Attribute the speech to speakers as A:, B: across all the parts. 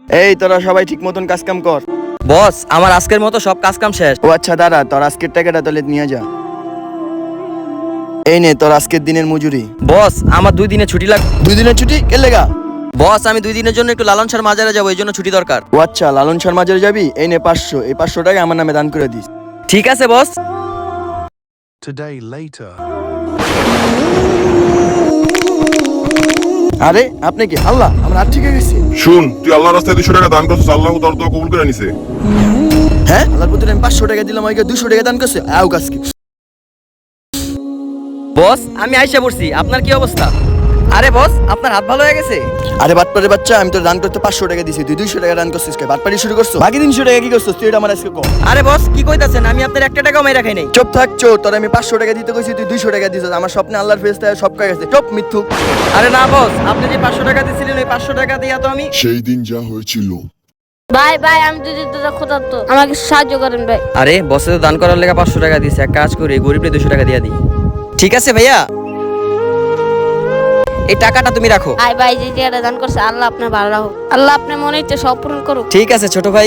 A: এই তোরা সবাই ঠিক মতন কাজ কাম কর।
B: বস আমার আজকের মতো সব কাজ কাম শেষ।
A: ও আচ্ছা দাঁড়া, তোর আজকের টাকাটা তাহলে নিয়ে যা। এই নে তোর আজকের দিনের মজুরি।
B: বস আমার 2 দিনে ছুটি লাগ।
A: 2 দিনের ছুটি কে লেগা?
B: বস আমি 2 দিনের জন্য একটু লালন শাহ মাজারে যাবো, এই জন্য ছুটি দরকার।
A: ও আচ্ছা লালন শাহ মাজারে যাবি? এই নে 500, এই 500 টাকা আমার নামে দান করে দিস।
B: ঠিক আছে বস।
C: Today later.
A: আরে আপনি কি আল্লাহ? আমার হাত ঠিক হয়ে গেছে।
D: শুন, তুই আল্লাহর রাস্তায় 200 টাকা দান করছিস, আল্লাহ তোর দোয়া কবুল করে নিছে।
A: হ্যাঁ আল্লাহর প্রতি আমি 500 টাকা দিলাম, ওইকে 200 টাকা দান করছে। আও গাছকে।
B: বস আমি আইসা পড়ছি, আপনার কি অবস্থা? আরে বস আপনার হাত ভালো হয়ে গেছে?
A: আরে বাটপারে বাচ্চা, আমি তো দান করতে 500 টাকা দিছি, তুই 200 টাকা দান করছিস কে? বাটপারি শুরু করছো? বাকি 300 টাকা কি করছিস তুই? এটা আমার আজকে কর।
B: আরে বস কি কইতাছেন, আমি আপনার 1 টাকাও মাই রাখাই নাই।
A: চুপ থাক চোর, তোর আমি 500 টাকা দিতে কইছি, তুই 200 টাকা দিছিস। আমার স্বপ্নে আল্লাহর ফেরেশতা সব কাজ গেছে। চুপ মিথ্যুক।
B: আরে না বস, আপনি যে 500 টাকা দিছিলেন ওই 500 টাকা দিয়া তো আমি।
D: সেই দিন যা হয়েছিল।
E: ভাই ভাই আমি যদি দাদা ক্ষুধার্ত, আমাকে সাহায্য করেন ভাই।
B: আরে বসে তো দান করার লেগে 500 টাকা দিছে, এক কাজ করি গরিবরে 200 টাকা দিয়া দিই। ঠিক আছে ভাইয়া, এই টাকাটা তুমি রাখো।
E: ভাই ভাই যে টাকাটা দান করছে, আল্লাহ আপনার ভালো রাখুক, আল্লাহ আপনার মনে ইচ্ছে সব পূরণ করুক।
B: ঠিক আছে ছোট ভাই।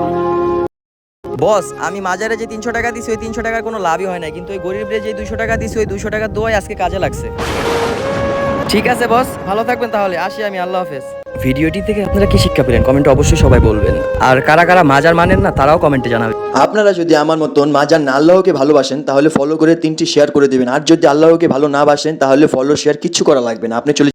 B: বস আমি মাজারে যে 300 টাকা দিছি ওই 300 টাকার কোনো লাভই হয় না, কিন্তু ওই গরিবরে যে 200 টাকা দিছি ওই 200 টাকা দোয়াই আজকে কাজে লাগছে। ঠিক আছে বস, ভালো থাকবেন তাহলে, আসি আমি, আল্লাহ হাফেজ। ভিডিওটি থেকে আপনারা কি শিক্ষা পেলেন কমেন্টে অবশ্যই সবাই বলবেন, আর কারা কারা মাজার মানেন না তারাও কমেন্টে জানাবেন।
A: আপনারা যদি আমার মতন মাজার না আল্লাহকে ভালোবাসেন তাহলে ফলো করে 3টি শেয়ার করে দিবেন, আর যদি আল্লাহকে ভালো না বাসেন তাহলে ফলো শেয়ার কিচ্ছু করা লাগবে না, আপনি চলে